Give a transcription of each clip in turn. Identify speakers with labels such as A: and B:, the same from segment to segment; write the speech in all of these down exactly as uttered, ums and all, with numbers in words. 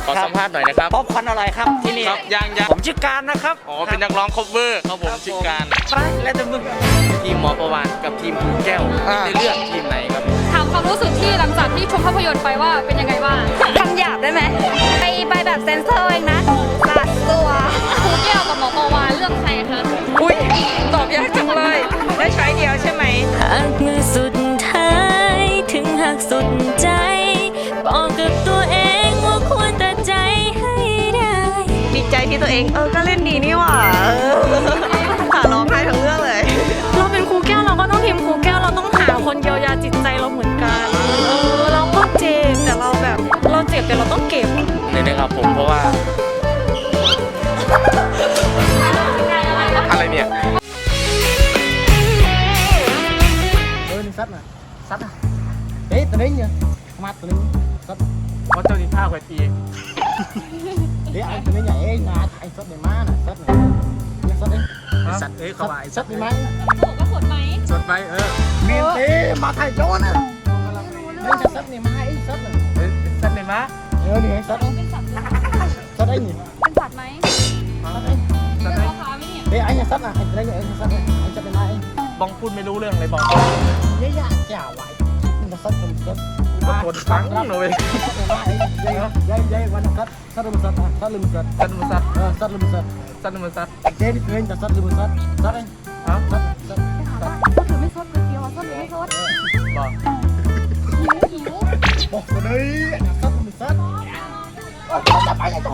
A: ขอสัมภาษณ์หน่อยนะครับ
B: ป๊อปคอร์นอร่อยครับที่นี่
A: ครับยังยัง
B: ผมชื่อการนะครับ
A: อ๋อเป็นนักร้องคอฟเวอร์ครับผมชื่อการ
B: ไปแล้วแต่มึง
A: ทีมหมอประวานกับทีมภูแก้ว
B: อ่า
A: ได้เลือกทีมไหนครับ
C: ถามความรู้สึกที่หลังจากที่ชมภาพยนตร์ไปว่าเป็นยังไงบ้าง
D: คำหยาบได้ไหมไปไปแบบเซนเซอร์เองนะสาดตัว
C: ครูแก้วกับหมอปวานเลือกใครคะ
D: อุ้ยตอบยากจังเลยได้ใช้เดียวใช่ไหม
E: หักมือสุดท้ายถึงหักสุดใจบอกกับตัวเองว่าควรตัดใจให้ได้
D: ดีใจที่ตัวเองเออก็เล่นดีนี่หว่าเออค่ะร้องไห้ทั้งเรื่องเลย
F: เราเป็นครูแก้วเราก็ต้องทีมครูแก้วเราต้องหาคนเยียวยาจิตใจเราเหมือนกันเออเราก็เจ็บแต่เราแบบเราเจ็บแต่เราต้องเก็บ
A: เลยนะครับผมเพราะว่า อะไรเนี่ย
B: เออนี่ซัดน่ะซัดน่ะเอ๊ะตัวนี้เนี่ยมาตัวนี้ซัด
A: เพราะเจ้านิท่าคอยตี
B: เอ๊ะไอ้ตัวนี้เนี่ยเอ๊ะงาไอ้ซัดเนี่ยมาน่ะซัดเนี่ยเนี่ยซัดเอง
A: สัตว์เอ้ยเขาว่าไอ้
B: ซัดนี่ไหม
C: โอ้ก็สดไหม
A: สดไปเออ
B: เมียนเต้มาไทยโจน่ะนี่จะซัดเนี่ยมาไอ้ซัดน่ะ
A: เอ้ยสัตว์เลยมะ
B: เออนี่ไอ้ซัดเอง
C: เป็นสัตว์ด้วย
B: ซัดไอ้นี่
C: เป็นสัตว์ไหม
B: ซัดเอง
C: เป็นพ่อค้าไหมเนี่ย
B: เอ๊ะไอ้เนี่ยซัดน่ะไอ้ตัวนี้เนี่ยไอ้ซัดเนี่ยไอ้ซัดเนี่ยมาเอง
A: บองพูดไม่รู้เรื่องเลยบอง
B: เยอะแยะเจ้าไหวมันจะซัดจนซัด
A: กดฟังเลย
B: ยัยยัยยัยวันซัดซัดลืมซัดซัดลืมซัด
A: สัตว์มันสัตว์
B: เออซัดลืมซัด
A: สัตว์มันสัตว์
B: เจนี่เพื่อนจะซัดลืมซัดซัดเอง
A: ฮะ
B: ซัดซัดซัด
C: ก็ถือไม่สดก๋วยเตี๋ยวสดหรือไม่สด
A: บอก
C: หิวหิว
B: บอกเลยซัดลืมซัดจะไปไหนตัว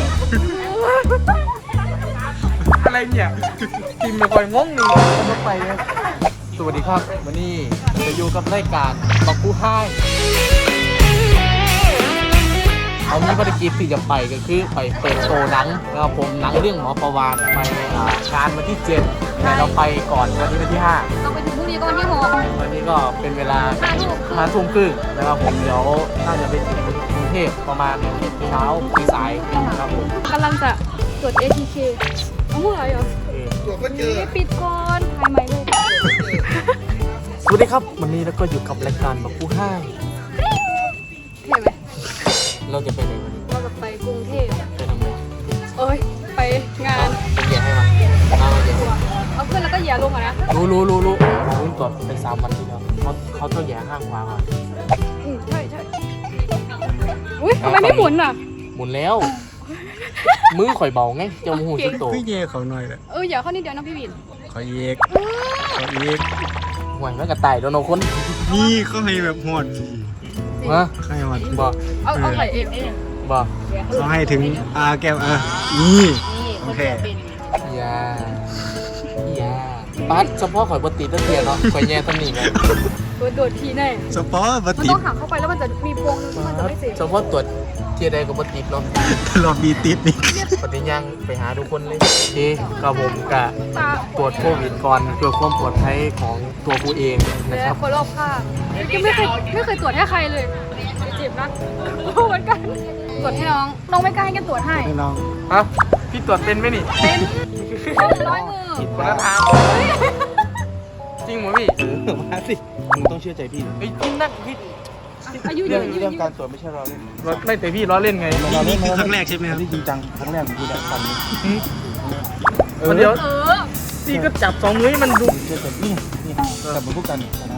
A: อะไรเนี่ยทีมไม่ค่อยงงนี่ต้องไปเลยสวัสดีครับวันนี้จะอยู่กับรายการบักผู้ให้เอามีภารกิจที่จะไปก็คือไปเปิดโชว์หนังนะครับผมหนังเรื่องหมอประวานไปอ่างานวันที่เจ็ดแต่เราไปก่อนวันนี้วันที่ห้า
C: เราไปถึงพรุ่งนี้ก็วันที่หก
A: วันนี้ก็เป็นเวลา
C: ห้าทุ่ม
A: ห้าทุ่มครึ่งนะครับผมเดี๋ยวน่าจะไปถึงกรุงเทพประมาณเช้าปีสายนะครับผม
C: กำลังจะตรวจ เอ ที เค เอาหัวเหรอ
A: เออ
C: นี่ปิดก่อนถ่ายใหม่เลย
A: สวัสดีครับวันนี้เราก็อยู่กับรายการบักผู้ให้
C: เห็นไหม
A: เราจะไปไหนวันนี้
C: เราจะไปกรุงเทพ
A: ไปทำไม
C: เอ้ย ไปงาน
A: เป็นแย่ให้มาเอามาเดี๋ยว
C: เอาขึ้นแล้วก็เหยียบลงอ่ะนะ
A: รู้รู้รู้รู้รู้ก่อนไปสามวันที่แล้วเขาเขาต้องแย่ห้างขวาก่อน
C: อืมใช่ใช่อุ้ยทำไมไม่หมุนอ่ะ
A: หมุนแล้ว มือข่อยเบาไงเจ้ามูหูสุดโต
B: พี่เย่เขาหน่อยเลย
C: เอออย่าเข้านิดเดียวนะพี่วิน
B: เขาเยกเขาเยก
A: ห่วยมันกระต่ายโดนเอาคน
B: นี่เขาให้แบบหอด
A: ฮะ
B: ให้หอด
A: บอก
C: เอาเอาใส่เอง
A: บอก
B: เขาให้ถึงอาแก้วเออนี่โอเค
A: อยาอยาปัดเฉพาะข่อยบติดตะเทียนเนาะข่อยแย่ตำหนิไง
C: โดดโดดทีแน่
B: สปอร์ตบั
C: มัน
B: ติ
C: ต้
B: ด
C: องหักเข้าไปแล้วมันจะมีพวงนึงที่มันจะไม่เสร็จ
A: เฉพาะตรวจเทียใดกับบติดเนาะ
B: รอบีติดนี่
A: ปฏิยังไปหาทุกคนเลยที่กับผมกะ
C: ตา
A: ตรวจโควิดก่อนเพื่อความปลอดภัยของตัวกูเองนะ
C: และ
A: ครับ
C: คนรอบข้างยังไม่เคยไม่เคยตรวจให้ใครเลยเจ็บนะเหมือนกันตรวจให้น้องน้องไม่กล้าให้แกตรวจให้
B: ให้น้อง
A: ฮะพี่ตรวจเป็นไหมนี่
C: เป็นร้อยมือ
A: ผิดคนละทางจริงเหรอพี่
G: มาสิมึงต้องเชื่อใจพี่นะ
A: ไอ้ยจริงนักพี่
C: อายุเย
G: เรื่อ
C: อะ
G: ง
C: อายุเย
G: เรื่อง
C: อะ
G: การตรวจไม่ใช่เราเล่น
A: ไม่แต่พี่ล้อเล่นไง
G: นี่คือครั้งแรกใช่ไหมครับที่จริงจังครั้งแรกของพี่แหละทำนี้
A: มันเดี๋ยว
C: เออ
A: พี่ก็จับสองมือให้มันดู
G: เชื่อใจนี่นี่แต่เหมือนพวกกันนะ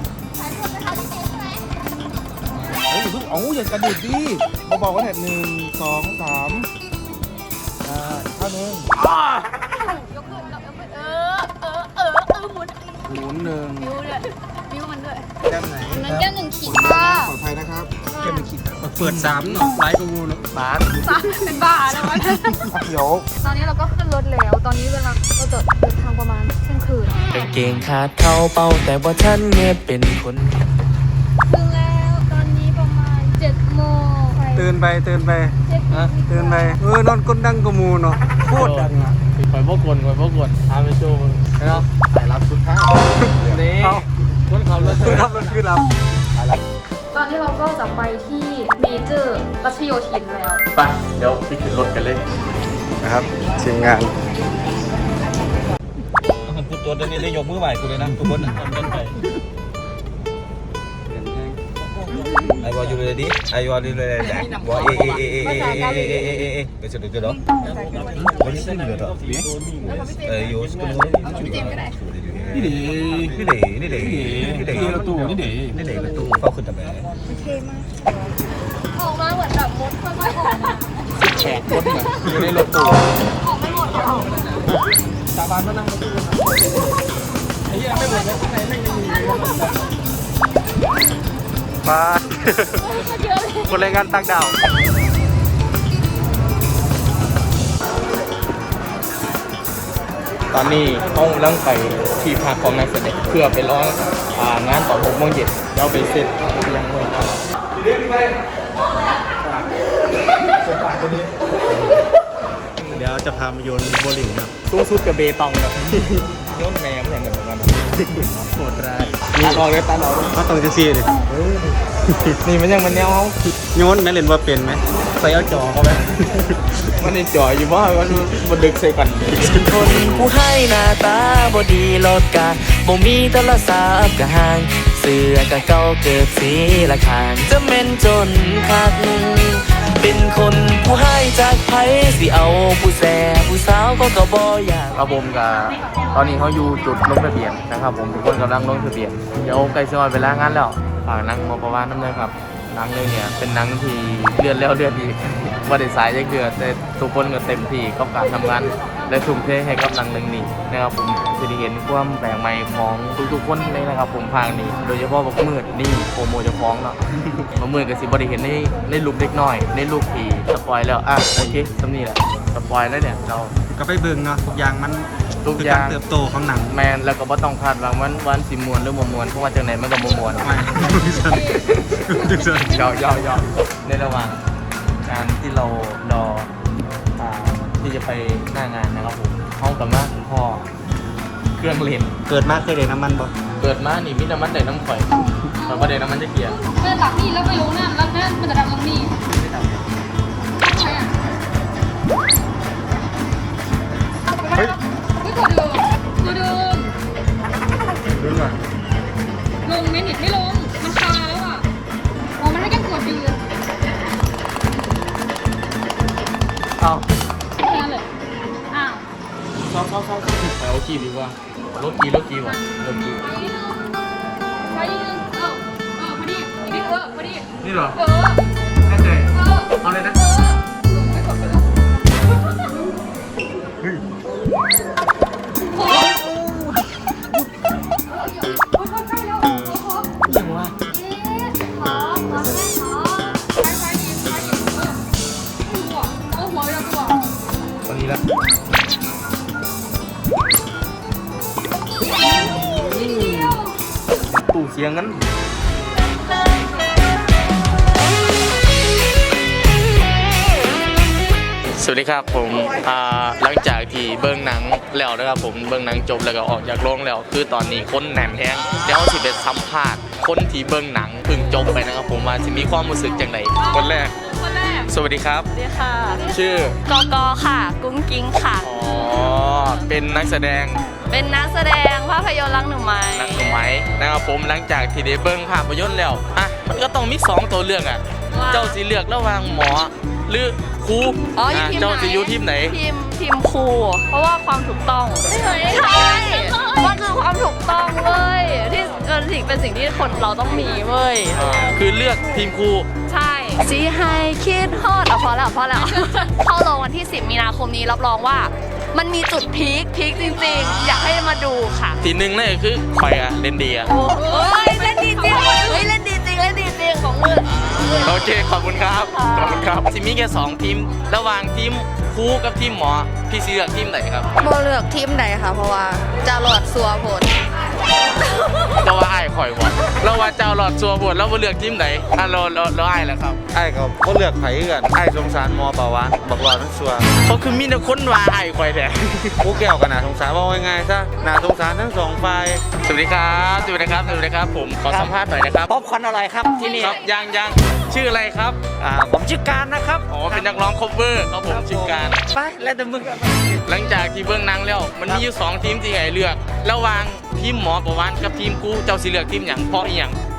G: เฮ้ยอย่าเพิ่งเอาอย่ากระดิดดิเบาๆก็แถบหนึ่งสองสามอ่าท่านึง
C: ยกขึ้นยกขึ้นเออเออเออเออหมุน
G: หมุนหนึ่ง
C: นิ้วด้วยนิ้วมันด้วย
G: แก้มไหน
C: นั้นแก้มหนึ่งขีดค่ะ
G: ปลอดภัยนะครับแก้มหนึ่งขีด
B: เปิดสามเนาะไลฟ์กูเนาะ
A: บาส
C: สามเป็นบ้าแล้ววะ
G: เดี๋ยว
C: ตอนนี้เราก็ขึ้นรถแล้ว ตอนนี้เวลาเราจะเดินทางประมาณเที่ยงคืน
E: กางเกงขาดเข้าเป้าแต่ว่าท่านเงียบเป็นคน
C: ถึงแล้วตอนนี้ประมาณเจ็ดโมง
B: ตื่นไปตื่นไป
C: เจ็ดโมง
B: ตื่นไปเออนอนก้นดังกมูเนาะโคตรดังอ่ะ
A: คอยพวกกวนคอยพวกกวนพาไปโชว์มึงเนาะ
G: สายรับสุดท้าย
A: นี่คนขับรถ
B: คือรับคือรับ
C: ตอนนี้เราก็จะไปที่เมเจอร์รัชโยธินแล้ว
A: ไปเดี๋ยวไปขึ้นรถกันเลย
B: นะครับทีมงาน
G: พูดตัวนี้ได้ยกมือไหวกูเลยนะทุกคนต้นไป I want you ready I want you ready Wah eh eh eh eh eh eh eh eh eh eh eh Besok dulu dong Boleh sini dulu dong Eh yo sekarang Ini deh Ini deh Ini deh Ini deh Ini deh Ini deh Ini deh Betul Kauขึ้นทำไม
C: ออกมาเหมือนแบบมดค่อยๆออกมา
A: แขกคนเหมือนอยู่ในรถตู้
C: ออกไม่หมดหรอก
B: สาบานมานั่งมาตู้ไอ้เหี้ยไม่หมดแล้วข้างในไม่มี
A: มา คนแรงงานต่างดาวตอนนี้ห้องลังไปที่พักของนักแสดงเพื่อไปร้องอ่างานตอนหกโมงเย็นแล้วไปเสร็จยังเมื่อครับ
G: เดี๋ยวจะพามาโยนโบลิ่งครับ
A: สูงสุดกับเบตองแบบโยนแมวอย่างเงี้ยเหมือนกันโหดร้ายตัดออกเลยตัดออกเลย
G: ก็ต้องจะซีเลย
A: นี่มันยังมันแนวเขา
G: โยนแม่เล่นว่าเป็นไหม
A: ใส่เอาจอเขาไหมมันในจออยู่ว่ามันมันดึกใส่กัน
H: คนผู้ให้หน้าตาบ่ดีลดกาบ่มีโทรศัพท์กะห่างเสื้อกะเก่าเกิดสีละขางจะเม่นจนคักเป็นคนผู้ให้จากไผสิเอาผู้แซ่ผู้สาวก็ก็บ่อยาก
A: ครับผมกับตอนนี้เขาอยู่จุดลงทะเบียนนะครับผมทุกคนกำลังลงทะเบียนเดี๋ยวใกล้จะวันเวลางานแล้วฝากนังมอประวานน้ำเลยครับหนังเลยเนี่ยเป็นหนังที่เลือดแล้วเลือดอีกว่าได้สายยังเดือดแต่ทุกคนก็เต็มที่กับการทำงานและทุ่มเทให้กับหนังเรื่องนี้นะครับผมจะได้เห็นความแปลกใหม่ของทุกๆคนเลยนะครับผมภาคนี้โดยเฉพาะบักมืดนี่โปรโมจะฟ้องเนาะ บักมืดกับสิบได้เห็นในในรูปเล็กน้อยในรูปผีสปอยแล้วอ่ะโอเคสำนี่แหละสปอยแล้วเนี่ยเรา
G: ก็ไปเบิ่งเนาะทุกอย่างมัน
A: ทุก
G: คือ
A: อย่า
G: การ
A: ง
G: เติบโตของหนัง
A: แมนแล้วก็บ่ต้องคาดหวังวันวันสิมวนหรือบ่มวนเพราะว่าจังไหนมันก็บ่มวน
G: ไม่ไม่ใช่ไม่ใช่
A: ยาวยาวยาวในระหว่างการที่เรารออ่าที่จะไปหน้างานนะครับผมห้องกับมาคุณพ่อเครื่องเล่น
G: เกิดมาเคยได้น้ำมันบ่
A: เกิดมานี่มีน้ำมันได้น้ำข่อยแต่ว่าได้น้ำมันจะเกียร์
C: เมื่อตักนี่แล้วไปลงน้ำแล้วนั่นมันจะดับลงนี่ใครอ่ะเฮ้ยตัวเดิมตัวเดิม
A: รุ่นว่ะ
C: ลงไม่หนิดไม่ลงมันคาแล้วอ่ะอ๋อมันให้แค่กดอยู่
A: เอ้า
C: แค่นั้นเลยอ้าว
A: เข้าเข้าเข้าไปเอากีดีกว่ารถกีรถกีว่ะรถกี
C: ไปนิดนึงเออเออพอดีอีกนิดเออพอดี
A: นี่เหรอ
C: เออ
A: แน่ใจ
C: เออ
A: เอาเลยนะ
C: เออไม่กดไปแล้วโอ้ยโอ้ยใกล้แล้วโอ้โห
A: ยังวะ
C: ขอขอแม่ขอไปไปดีไปดีเออหัวเออหัวเราตัว
A: ตอนนี้ละ
C: นิดเดียว
A: ตู้เสียงงั้นสวัสดีครับผมอ่าหลังจากที่เบิ้งหนังแล้วนะครับผมเบิ้งหนังจบแล้วก็ออกจากโรงแล้วคือตอนนี้คนแหนมแห้งแล้วสิเป็นสัมภาษณ์คนที่เบิ้งหนังเพิ่งจบไปนะครับผมว่าสิมีความรู้สึกจังไดคนแรก
C: คนแรก
A: สวัสดีครับ
D: สวัสดีค่ะ
A: ชื่อก
D: กค่ะ กุ้งกิ้งค่ะ
A: อ๋อเป็นนักแสดง
D: เป็นนักแสดงภาพยนตร์รักหนูไหม
A: นักหนุ่มไหมนะครับผมหลังจากที่ได้เบิ้งภาพยนตร์แล้วอ่ะมันก็ต้องมีสองตัวเลือกอ่ะเจ้าสิเลือกระหว่างหมอหรือครู
D: อ๋ออยู่
A: อ่ะ
D: ทีมไหน
A: เจ้าสิอยู่ทีมไหน
D: ทีมทีมครูเพราะว่าความถูกต้องใช่มันคือความถูกต้องเว้ยที่เป็นสิ่งเป็นสิ่งที่คนเราต้องมีเว้ย
A: อ่าคือเลือกทีมครู
D: ใช่ซีไฮคิดฮอดเอาพอแล้วพอแล้ว เข้าโรงวันที่สิบมีนาคมนี้รับรองว่า มันมีจุดพีคพีคจริงๆ อยากให้มาดูค่ะ
A: ทีหนึ่งนั่นก็คือคอยอะเล่นดีอะ
D: โอ้ยเล่นดีจริงเฮ้ยเล่นดีจริงเล่นดีจริงของมือ
A: โอเคขอบคุณครับขอบคุณครับทีมีแค่สองทีมระหว่างทีมครูกับทีมหมอพี่สิเลือกทีมไหนครับ
D: โบเลือกทีมไหนค่ะเพราะว่าจะหลอดสัวผล
A: เราว่าไอ้ายข่อยหมดเราว่าเจ้าหลอดซัวบวชเราบ่เลือกทีมไหนอ่ะเราเราเราไอ้ายแหละครับ
G: ไอ้ก็บ่เลือกไผกันไอ้สงสารมอปาวานบอกรอทั้งชัว
A: เขาคือมีแต่คนว่าไอ้ายข่อยแท้
G: ผู้แก้วกันน่าสงสารว่าง่ายๆซะน่าสงสารทั้งสองฝ่าย
A: สวัสดีครับสวัสดีครับสวัสดีครับผมขอสัมภาษณ์หน่อยนะครับ
H: ป๊อปคอร์นอร่อยครับที่นี่
A: ครับยังยังชื่ออะไรครับ
H: อ่าผมชื่อการนะครับ
A: อ๋อเป็นนักร้อง cover ครับผมชื่อการ
H: ไปแล้วแต่มึง
A: หลังจากที่เบื้องหนังแล้วมันมีอยู่สองทีมที่ให้เลือกระหว่างทีมหมอประวานกับทีมกูเจ้าสิเลือกทีมหยังเพราะอีหยัง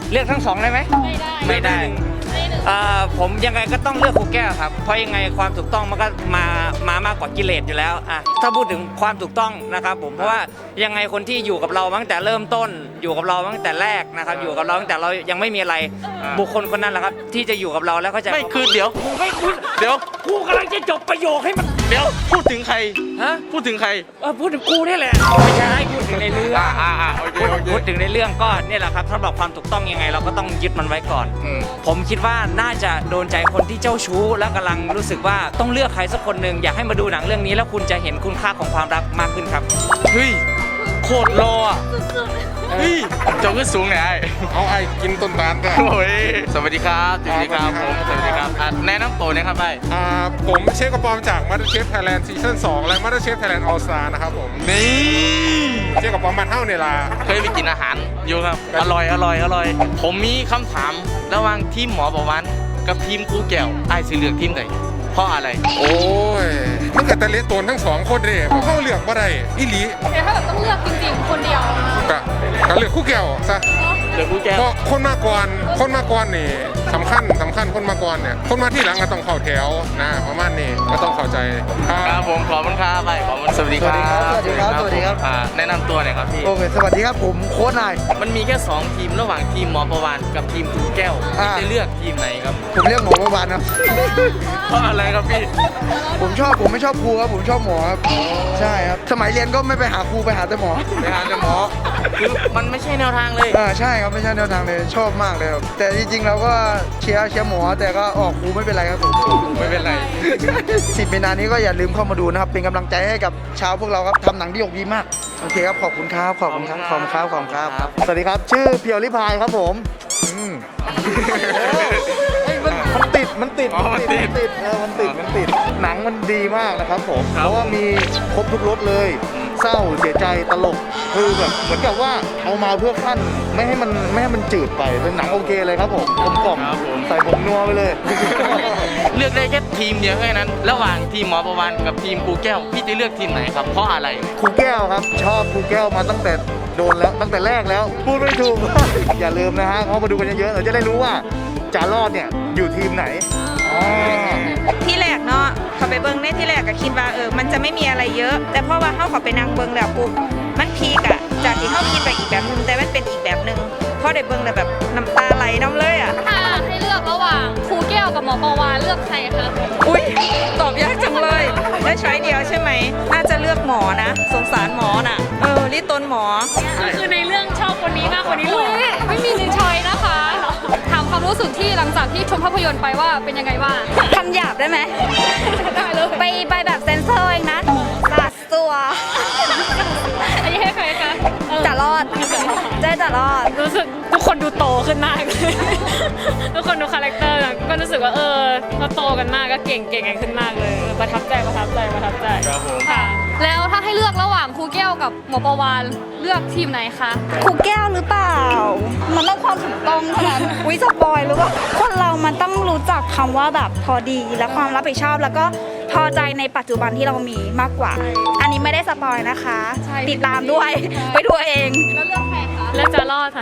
I: เลือกทั้งสองได้ไหม
C: ไม่ได้
I: ไม่ได้
C: ไม่หนึ่ง
I: อ่าผมยังไงก็ต้องเลือกครูแก้วครับเพราะยังไงความถูกต้องมันก็มามามากกว่ากิเลสอยู่แล้วอ่ะถ้าพูดถึงความถูกต้องนะครับผมเพราะว่ายังไงคนที่อยู่กับเราตั้งแต่เริ่มต้น อยู่กับเราตั้งแต่แรกนะครับอยู่กับเราตั้งแต่เรายังไม่มีอะไรบุคคลคนนั้นแหละครับที่จะอยู่กับเราแล้วก็จะ
A: ไม่คือเดี๋ยว
I: ไม่คุณ
A: เดี๋ยว
I: กูกำลังจะจบประโยคให้มัน
A: เดี๋ยวพูดถึงใคร
I: ฮะ
A: พูดถึงใคร
I: เออพูดถึงกูนี่แหละไม่ใช่พูดถึงในเรื่อง
A: อ่าอ่าอ่าโอเค
I: พูด
A: โอเค
I: พูดถึงในเรื่องก็เนี่ยแหละครับสำหรับความถูกต้องยังไงเราก็ต้องยึดมันไว้ก่อน
A: อืม
I: ผมคิดว่าน่าจะโดนใจคนที่เจ้าชู้และกำลังรู้สึกว่าต้องเลือกใครสักคนหนึ่งอยากให้มาดูหนังเรื่องนี้แล้วคุณจะเห็นคุณค่าของความรักมากขึ้นครับ
A: เฮ้ยโคตรรออ่ะเฮ้ยเจ้าขึ้นสูงไงไอ้
J: เอาไอ้กินต้นตาลกัน
A: โอ้ยสวัสดีครับสวัสดีครับผมสวัสดีครับอ่ะแนะนำตัวหนะครับไอ้
J: อ่าผมเชฟกระปอมจาก MasterChef Thailand ซีซั่นสองและ MasterChef Thailand All Star นะครับผม
A: นี่
J: เชฟกระปอมมันเท่าเนี่ยล่ะ
A: เคยไปกินอาหารอยู่ครับ อร่อยอร่อยอร่อย ผมมีคำถามระหว่างทีมหมอประวันกับทีมครูแก้วไอ้สิเลือกทีมไหนเพราะอะไร
J: โอ้ยมันก็แต่เละตนทั้งสองคนเด้เพราะเขาเลือกบ่ได้อีหลี
C: แต่ถ้าแบบต้องเลือกจริงๆ คนเดียว
J: ก็ก็เลือกคู่แก้วซะ
A: เลือกครูแก้ว
J: เพราะคนมาก่อนคนมาก่อนนี่สำคัญสำคัญคนมาก่อนเนี่ยคนมาที่หลังก็ต้องเข้าแถวนะประมาณนี้ก็ต้องเข้าใจค
A: ค
J: รั
A: รั
J: บบ
A: ผมขอบคุณครับไปขอบคุณสวัสดีครับ
B: สวัสดีครับสวัสดีครับ
A: อ่าแนะนำตัวหน่อยครับพี่
B: โอเคสวัสดีครับผมโค้ชนาย
A: มันมีแค่สองทีมระหว่างทีมหมอประวันกับทีมครูแก้ว
B: อ่า
A: จะเลือกทีมไหนครับ
B: ผมเรียกหมอประวานครับ
A: เพราะอะไรครับพี่
B: ผมชอบผมไม่ชอบครูครับผมชอบหมอครับใช่ครับสมัยเรียนก็ไม่ไปหาครูไปหาแต่หมอ
A: ไปหาแต่หมอคือมันไม่ใช่แนวทางเลย
B: อ่าใช่ครับไม่ใช่แนวทางเลยชอบมากเลยครับแต่จริงๆเราก็เชียร์เชียร์หมอแต่ก็ออกครูไม่เป็นไรครับผม
A: ไม่เป็นไร
B: สิบมีนานี้ก็อย่าลืมเข้ามาดูนะครับเป็นกำลังใจให้กับชาวพวกเราครับทำหนังที่ออกดีมากโอเคครับขอบคุณครับขอบคุณครับขอบคุณครับขอบคุณครับสวัสดีครับชื่อเพียวลิพายครับผมอืมเฮ้ยมันมันติดมันติด
A: อ๋อมันติด
B: มันติดเออมันติดมันติดหนังมันดีมากนะครับผม
A: ครับ
B: เพราะว่ามีครบทุกรสเลย เศร้าเสียใจตลกคือแบบเหมือนกับว่าเอามาเพื่อขั้นไม่ให้มันไม่ให้มันจืดไปเป็นหนังโอเคเลยครับผมกลมกล่อม
A: ครับผม
B: ใส่ผงนัวไปเลย
A: เลือกได้แค่ทีมเดียวแค่นั้น ระหว่างทีมหมอประวันกับทีมครูแก้วพี่จะเลือกทีมไหนครับเพราะอะไร
B: ครูแก้วครับ ชอบครูแก้วมาตั้งแต่โดนแล้วตั้งแต่แรกแล้ว พูดไม่ถูก อย่าลืมนะฮะเขามาดูกันเยอะๆเราจะได้รู้ว่าจารอดเนี่ยอยู่ทีมไหนอ๋อ
K: ที่แรกเนาะเขาไปเบิ้งในที่แรกก็คิดว่าเออมันจะไม่มีอะไรเยอะ แต่พอว่าเขาเขาไปนั่งเบิ้งแล้วปุ๊บมันพีกอะจากที่เขาคิดไปอีกแบบนึงแต่มันเป็นอีกแบบนึงพอได้เบิ้งแล้วแบบน้ำตาไหลน้ำเลยอะ
C: ถ้าให้เลือกระหว่างครูแก้วกับหมอปวาเลือกใครคะ
K: อุ้ยตอบยากจังเลยได้ช้อยเดียวใช่ไหมน่าจะเลือกหมอนะ สงสารหมอน่ะเออรีตนหมอ
C: คือในเรื่องชอบคนนี้มากคนนี้หรอไม่มีหนึ่งชอยนะคะถามความรู้สึกที่หลังจากที่ชมภาพยนตร์ไปว่าเป็นยังไงบ้าง
K: คำหยาบได้ไหม
C: ได้เลย
K: ไปไปแบบเซนเซอร์เองนะสาดตัว
C: อันนี้ให้ใครคะเออ
K: จะรอดได้จะรอด
C: รู้สึกทุกคนดูโตขึ้นมากเลยทุกคนดูคาแรคเตอร์นะก็รู้สึกว่าเออเขาโตกันมากก็เก่งเก่งกันขึ้นมากเลยเออประทับใจประทับใจประทับใจ
A: ครับผม
C: ค่ะ แล้วถ้าให้เลือกระหว่างครูแก้วกับหมอประวานเลือกทีมไหนคะ
K: ครูแก้วหรือเปล่า มันต้องความถูกต้องเท่านั้น อุ้ยสปอยหรือเปล่าคนเรามันต้องรู้จักคำว่าแบบพอดีและความรับผิดชอบแล้วก็พอใจในปัจจุบันที่เรามีมากกว่า อันนี้ไม่ได้สปอยนะคะ ติดตามด้วย ไปดูเอง
C: แล้วเลือกใครคะเลือกจะรอดค่ะ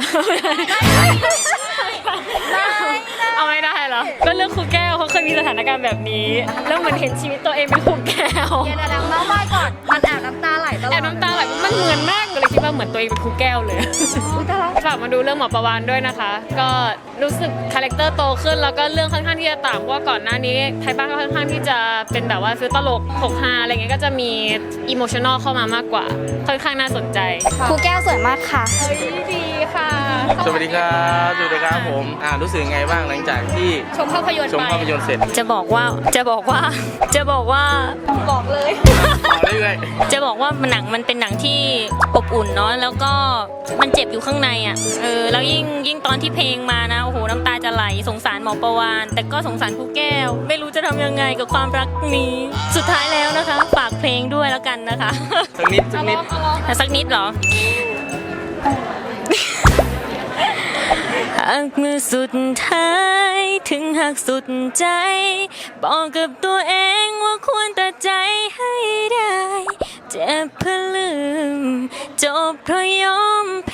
C: เอาไม่ได้เหรอก็เลือกครูแก้วเขาเคยมีสถานการณ์แบบนี้แล้วเหมือนเห็นชีวิตตัวเองเป็นครูแก้ว
K: เดี๋ยวเดี๋ยวน้องไหว้ก่อน มันแอบน้ำตาไหลตลอด
C: แอบน้ำตาไหลมันเหมือนมากเลยคิดว่าเหมือนตัวเองเป็นครูแก้วเลยฝากมาดูเรื่องหมอประวานด้วยนะคะ ก็รู้สึกคาแรคเตอร์โตขึ้นแล้วก็เรื่องค่อนข้างที่จะต่างเพราะว่าก่อนหน้านี้ไทยบ้านก็ค่อนข้างที่จะเป็นแบบว่าซื้อตลกหกฮาอะไรเงี้ยก็จะมีอิโมชันอลเข้ามามากกว่าค่อนข้างน่าสนใจ
K: ครูแก้วสวยมากค่ะ
C: เฮ้ยดีค่ะ
A: สวัสดีครับสวัสดีครับผมอ่ารู้สึกยังไงบ้างหลังจากที่
C: ชมภาพยนตร์
A: ชม
C: ไป
A: ภาพยนตร์เสร็จ
E: จะบอกว่าจะบอกว่าจะบอกว่า
C: บอกเลย
A: ต่อเรื่อย
E: จะบอกว่าหนังมันเป็นหนังที่อบอุ่นเนาะแล้วก็มันเจ็บอยู่ข้างในอ่ะเออแล้วยิ่งยิ่งตอนที่เพลงมานะโอ้โหน้ำตาจะไหลสงสารหมอประวานแต่ก็สงสารครูแก้ว ไม่รู้จะทำยังไงกับความรักนี้ สุดท้ายแล้วนะคะฝากเพลงด้วยแล้วกันนะคะ
A: ๆสักนิดสักนิด
E: สักนิดเหรอ หากเมื่อสุดท้ายถึงหากสุดใจ บอกกับตัวเองว่าควรตัดใจให้ได้ เจ็บเพื่อลืมจบเพราะยอมแพ้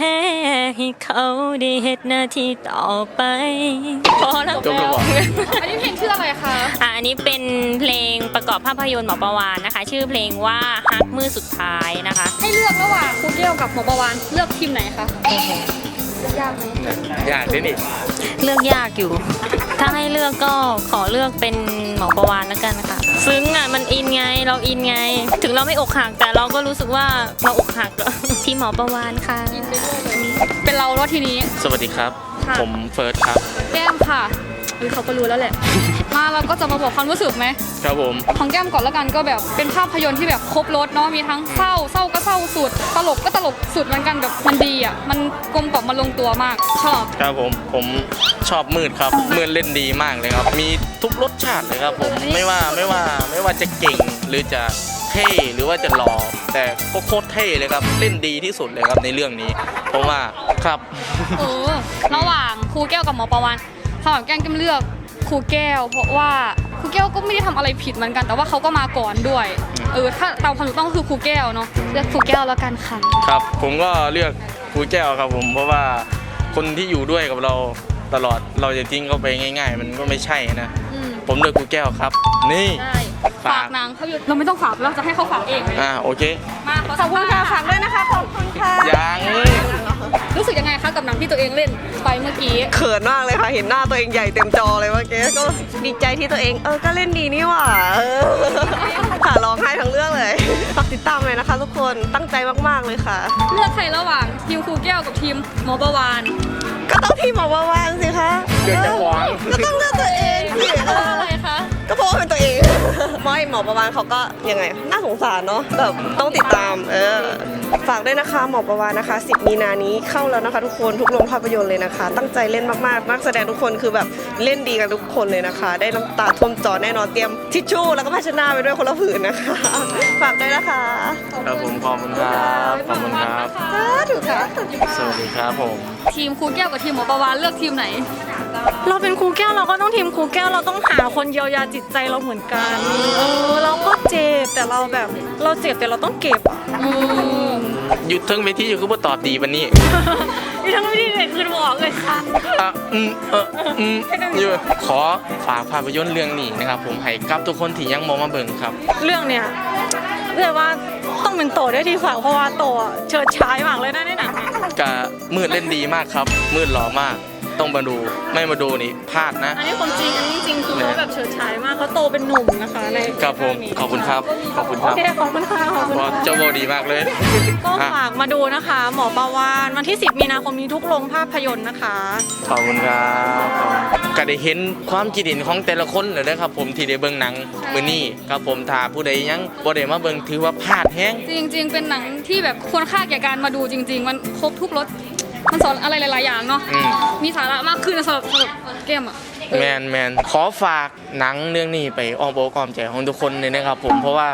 E: พ้ให้เขาได้เฮ็ดหน้าที่ต่อไปพอแล้ว
A: จบแล้วเหรอ
C: อันนี้เพลงชื่ออะไรคะ
E: อ่ะอันนี้เป็นเพลงประกอบภาพยนตร์หมอประวานนะคะ ชื่อเพลงว่าฮักมือสุดท้ายนะคะ
C: ให้เลือกระหว่างครูแก้วกับหมอประวานเลือกทีมไหนคะยากไหม
A: ยากด้วยนี่
E: เลือกยากอยู่ ถ้าให้เลือกก็ขอเลือกเป็นหมอประวานแล้วกันนะคะซึ้งอ่ะมันอินไงเราอินไง ถึงเราไม่อกหักแต่เราก็รู้สึกว่าเราอกหัก ที่หมอประวานค่ะ
C: เป็นเราแล้วทีนี้
A: สวัสดีครับ
C: ค่ะ
A: ผมเฟิร์สครับ
C: แก้มค่ะอุ๊ยเขาก็รู้แล้วแหละ มาเราก็จะมาบอกความรู้สึกไหม
A: ครับผม
C: ของแก้มก่อนแล้วกันก็แบบเป็นภาพยนตร์ที่แบบครบรสเนาะมีทั้งเศร้าเศร้าก็เศร้าสุด ตลกก็ตลกสุดเหมือนกันแบบมันดีอ่ะมันกลมกล่อมมันลงตัวมากชอบ
A: ครับผมผมชอบมืดครับมืดเล่นดีมากเลยครับ มีทุกรสชาติเลยครับผมไม่ว่าไม่ว่าไม่ว่าจะเก่งหรือจะเท่หรือว่าจะหล่อแต่ก็โคตรเท่เลยครับเล่นดีที่สุดเลยครับในเรื่องนี้เพราะว่าครับ
C: เออระหว่างครูแก้วกับหมอประวานสำหรับแก้มแก้มเลือกครูแก้ว เพราะว่าครูแก้วก็ไม่ได้ทำอะไรผิดเหมือนกัน แต่ว่าเขาก็มาก่อนด้วยเออถ้าตามความถูกต้องก็คือครูแก้วเนาะเลือกครูแก้วแล้วกันค่ะ
A: ครับผมก็เลือกครูแก้วครับผมเพราะว่าคนที่อยู่ด้วยกับเราตลอดเราจะทิ้งเขาไปง่าย ๆ มันก็ไม่ใช่นะ
C: อืม
A: ผมเลือกครูแก้วครับ นี่
C: ได้ฝากนางเขาอยู่เราไม่ต้องฝากเราจะให้เขาฝากเองเลย
A: อ่าโอเค
C: มาขอบคุณค่ะฝากด้วยนะคะขอบคุณค่ะ
A: ยัง
C: รู้สึกยังไงคะกับหนังที่ตัวเองเล่นไปเมื่อกี้
L: เขินมากเลยค่ะ เห็นหน้าตัวเองใหญ่เต็มจอเลยเมื่อกี้ก็ดีใจที่ตัวเองเออก็เล่นดีนี่หว่าเออค่ะร้องไห้ทั้งเรื่องเลยฝากติดตามเลยนะคะ ทุกคนตั้งใจมากๆเลยค่ะ
C: เลือกใครระหว่างทีมครูแก้วกับทีมหมอประวาน
L: ก็ต้องที่หมอประวานสิคะ
A: เลือกจะหวัง
L: ก็ต้องเลือกตัวเองสิ
C: เพราะว่าอะไรคะ
L: ก็เพราะว่าเป็นตัวเองไม่หมอประวานเขาก็ยังไงน่าสงสารเนาะแบบต้องติดตามเออฝากด้วยนะคะหมอประวานนะคะสิบมีนานี้เข้าแล้วนะคะ ทุกคนทุกโรงภาพยนตร์เลยนะคะ ตั้งใจเล่นมากๆนักแสดงทุกคนคือแบบเล่นดีกันทุกคนเลยนะคะ ได้น้ำตาท่วมจอแน่นอนเตรียมทิชชู่แล้วก็ภาชนะไปด้วยคนละผืนนะคะ ฝากด้วยนะคะ
A: ครับผมขอบคุณครับขอบคุณครับ
L: สาธุค่ะ
A: สวัสดีครับผม
C: ทีมครูแก้วกับทีมหมอประวานเลือกทีมไหน
F: เราเป็นครูแก้วเราก็ต้องทีมครูแก้วเราต้องหาคนเยียวยาจิตใจเราเหมือนกันเออเราก็เจ็บแต่เราแบบเราเจ็บแต่เราต้องเก็บอ่ะ
C: อืม
A: หยุดทั้งเวทีอยู่คือว่าตอบดีวันนี้
F: นี่ทั้งวิธีเลยคือบอกเลยค่ะ
A: อ่ะอืมเอออืมอยู่ขอฝากภาพยนตร์เรื่องนี้นะครับผมให้กับทุกคนที่ยังมองมาเบิ่งครับ
F: เรื่องเนี้ยเรียกว่าต้องเป็นโตได้ที่ฝากเพราะว่าโตอะเฉิดฉายมากเลยนะในหนังอะ
A: กะมืดเล่นดีมากครับ มืดหล่อมากต้องมาดูไม่มาดูนี่พลาดนะ
F: อันนี้ความจริงอันนี้จริงคือเขาแบบเฉิดฉายมากเขาโตเป็นหนุ่มนะคะใน
A: ครับผม
F: เรื่องนี้
A: ขอบคุณครับขอบคุณค
F: โอ
A: รับ
F: เคขอบคุณค่ะขอบคุณ
A: เพราะ
F: ค่ะ
A: เจ้าโบดีมากเลย
F: ก็
A: อ่ะ
F: ฝากมาดูนะคะ หมอประวานวันที่ สิบ มีนาคมนี้ทุกโรงภาพยนตร์นะคะ
A: ขอบคุณครับก็ได้เห็นความคิดเห็นของแต่ละคนเลยนะครับผมที่ได้เบิ่งหนังมื้อนี้ครับผมถ้าผู้ใดยังบ่ได้มาเบิ่งถือว่าพลาดแฮง
C: จริง ๆ เป็นหนังที่แบบควรค่าแก่การมาดูจริง ๆ มันครบทุกรสมันสอนอะไรหลายๆอย่างเนาะ
A: อืม
C: มีสาระมากขึ้นสำหรับสำหรับเกมอ่ะ
A: แมนแมนขอฝากหนังเรื่องนี้ไปอ้อมอกอ้อมใจของทุกคนเลยนะครับผมเพราะว่า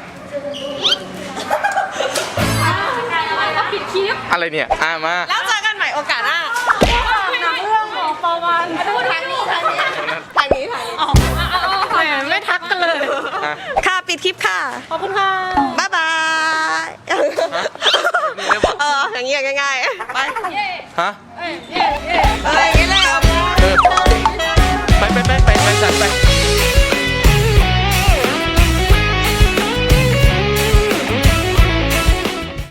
C: ปิดคลิป
A: อะไรเนี่ยอ่ะมา
L: แล้วเจอกันใหม่โอกาสหน้า
F: หนังเรื่องหมอประวาน
L: พูดทางนี้ทางนี้ทางนี้ทางนี้
F: อ๋อแหมไม่ทักกันเลย
A: อ่ะ
L: ค่ะปิดคลิปค่ะ
F: ขอบคุณค่ะ
L: บ๊ายบาย
A: นี่ได้บอก
L: เอออย่างเงี้ยง่ายๆไป
A: ฮะ
L: เอ้ย